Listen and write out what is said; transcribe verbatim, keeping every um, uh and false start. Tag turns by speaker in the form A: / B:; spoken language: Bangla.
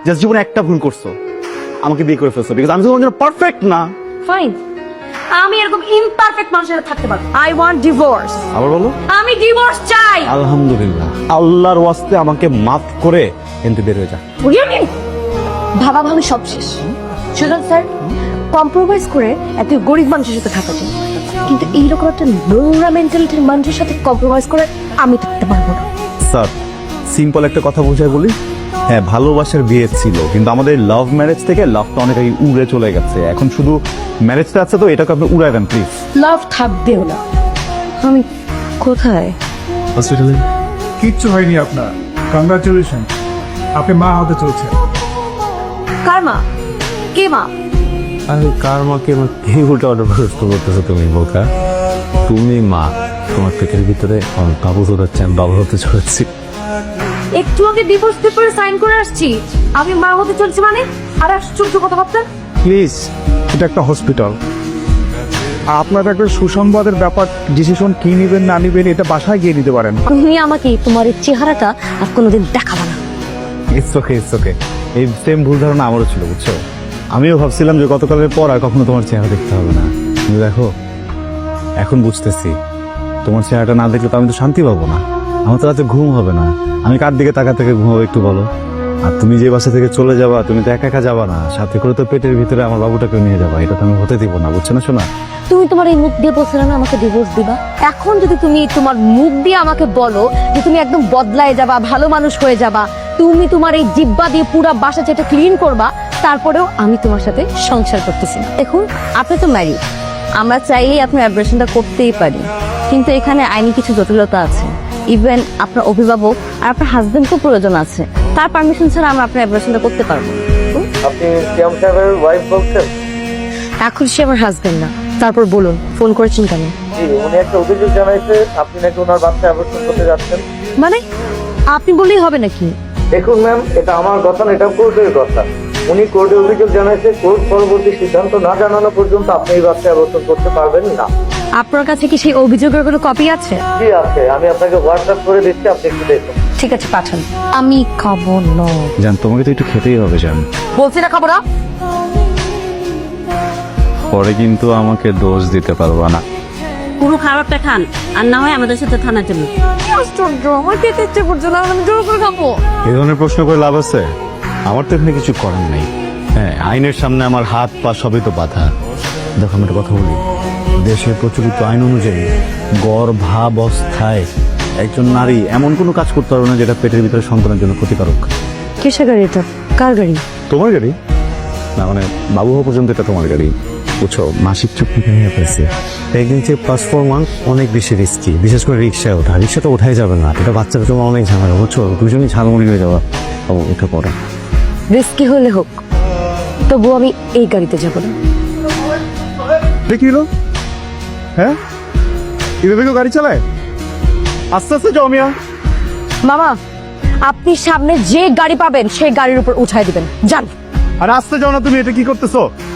A: জাস্ট জীবনে একটা ভুল করছো, আমাকে বিয়ে করে ফেলছো, বিকজ আমি তো তোমার জন্য পারফেক্ট না।
B: ফাইন, আমি এরকম ইমপারফেক্ট মানুষের সাথে থাকতে পারবো। I want divorce.
A: আবার বলো।
B: আমি ডিভোর্স চাই।
A: আলহামদুলিল্লাহ, আল্লাহর ওয়াস্তে আমাকে মাফ করে এনতে বের হয়ে যা।
B: ভাবা ভাবি সব শেষ। সুজন স্যার, কম্প্রোমাইজ করে এত গরিব মানুষের সাথে থাকা যায়, কিন্তু এইরকম একটা নোংরা মেন্টালিটির মানুষের সাথে কম্প্রোমাইজ করে আমি থাকতে পারবো না।
A: স্যার, সিম্পল একটা কথা বোঝায় বলি, হ্যাঁ ভালোবাসার বিয়ে ছিল, কিন্তু আমাদের লাভ ম্যারেজ থেকে লাভটা অনেক আগে উড়ে চলে গেছে। এখন শুধু ম্যারেজটা আছে, তো এটাকে আপনি উড়ায় দেন প্লিজ।
B: লাভ থাকবেও না। আমি কোথায়?
A: হসপিটালে।
C: কিচ্ছু হয়নি আপনার, কংগ্রাচুলেশন, আপনি মা হতে চলছে।
B: কার মা? কে মা?
D: আরে কার মাকে এই উল্টা অর্ডার প্রশ্ন করতেছো তুমি বোকা? তুমি মা, তোমার পেটের ভিতরে আমার বাবু হচ্ছে, আমি বাবু হতে চলেছি।
B: একটু আগে ডিভোর্স পেপারে সাইন করে আসছি, আমি মা হতে চলছি মানে? আর আশ্চর্য কথাবার্তা।
C: প্লিজ, এটা একটা হসপিটাল, আপনার একটা সুসংবাদের ব্যাপার। ডিসিশন কি নিবেন না নিবেন এটা বাসায় গিয়ে নিতে পারেন।
B: তুমি আমাকে তোমার এই চেহারাটা আর কোনোদিন দেখাবা না।
A: It's okay, it's okay. এই সেম ভুল ধারণা আমারও ছিল, বুঝছো? আমিও ভাবছিলাম যে গতকালের পর আর কখনো তোমার চেহারা দেখতে হবে না, কিন্তু দেখো এখন বুঝতেছি, তোমার চেহারাটা না দেখলে তো আমি তো শান্তি পাবো না, আমার তো রাতে ঘুম হবে না। আমি কার দিকে তাকা থেকে ঘুমাবো একটু বলো? আর তুমি যে বাসা থেকে চলে যাবা, তুমি তো একা একা যাবা না, সাথে করে তো পেটের ভিতরে আমার বাবুটাকে নিয়ে যাবা, এটা তো আমি হতে দিব না, বুঝছো না শোনা?
B: তুমি তোমার এই মুখ দিয়ে বলছিলে না আমাকে ডিভোর্স দিবা, এখন যদি তুমি তোমার মুখ দিয়ে আমাকে বলো যে তুমি একদম বদলায় যাবা, ভালো মানুষ হয়ে যাবা, তুমি তোমার এই জিব্বা দিয়ে পুরা বাসা যেটা ক্লিন করবা, তারপরেও আমি তোমার সাথে সংসার করতেছি না। দেখুন, আপনি তো ম্যারিড, আমরা চাইলেই আপনার অ্যাব্রেশনটা করতেই পারি, কিন্তু এখানে আইনি কিছু জটিলতা আছে। ইভেন আপনার অভিভাবক আর আপনার হাজবেন্ডকেও প্রয়োজন আছে, তার পারমিশন ছাড়া আমরা আপনার অ্যাব্রেশনটা করতে পারবো।
E: আপনি সিয়াম সাহেবের ওয়াইফ বলছেন?
B: এখন সে আমার হাজবেন্ড না। তারপর বলুন, ফোন করেছেন কেন?
E: জি, উনি একটা অভিযোগ জানাইছে আপনি নাকি ওনার বাচ্চা অ্যাবর্শন করতে যাচ্ছেন।
B: মানে আপনি বললেই হবে নাকি?
E: দেখুন ম্যাম, এটা আমার কথা না, এটা কোর্টের কথা। উনি কোর্টে অভিযোগ জানাইছে, কোর্ট পরবর্তী সিদ্ধান্ত না জানানো পর্যন্ত আপনি এই বাচ্চা অ্যাবর্শন করতে পারবেন না।
B: আপনার কাছে কি সেই অভিযোগের কোনো কপি আছে?
E: জি আছে, আমি আপনাকে হোয়াটসঅ্যাপ করে দিচ্ছি, আপনি একটু দেখুন।
B: ঠিক আছে, পাঠান। আমি খাবো না।
A: জান, তোমাকে তো একটু খেতেই হবে জান।
B: বলছি না খাবো না।
A: পরে কিন্তু আমাকে দোষ দিতে পারবা না।
F: পুরো খাবারটা খান, আর না হয় আমাদের সাথে থানার জন্য।
B: আশ্চর্য, আমার খেতে ইচ্ছে করছে না, আমি জোর করে খাবো।
A: এই ধরনের প্রশ্ন করে লাভ আছে? আমার তো এখানে কিছু করার নেই। হ্যাঁ, আইনের সামনে আমার হাত পা সবই তো বাধা। দেখো, আমি একটা কথা বলি, দেশের প্রচলিত আইন অনুযায়ী গর্ভাবস্থায় একজন নারী এমন কোনো কাজ করতে পারবে না যেটা পেটের ভিতরে সন্তানের জন্য ক্ষতিকারক।
B: কিসের গাড়ি এটা? কার গাড়ি?
A: তোমার গাড়ি না, মানে বাবু হওয়া পর্যন্ত এটা তোমার গাড়ি, বুঝছো? মাসিক চুক্তি নিয়ে পেয়েছে। প্রেগনেন্সি প্লাস ফোর মান্থ অনেক বেশি রিস্কি, বিশেষ করে রিক্সায় ওঠা। রিক্সা তো ওঠাই যাবে না, এটা বাচ্চারা তোমার অনেক ঝামেলা, বুঝছো? দুজনই ঝালমুড়ি হয়ে যাওয়া। ও উঠে পড়া
B: রিস্কি হলে হোক, তবু আমি এই গাড়িতে যাবো না।
C: দেখিল, হ্যাঁ এভাবে কেউ গাড়ি চালায়? আস্তে আস্তে যাও মিয়া।
B: মামা, আপনি সামনে যে গাড়ি পাবেন সেই গাড়ির উপর উঠাই দিবেন, যান।
C: আর আস্তে যাও না, তুমি এটা কি করতেছো?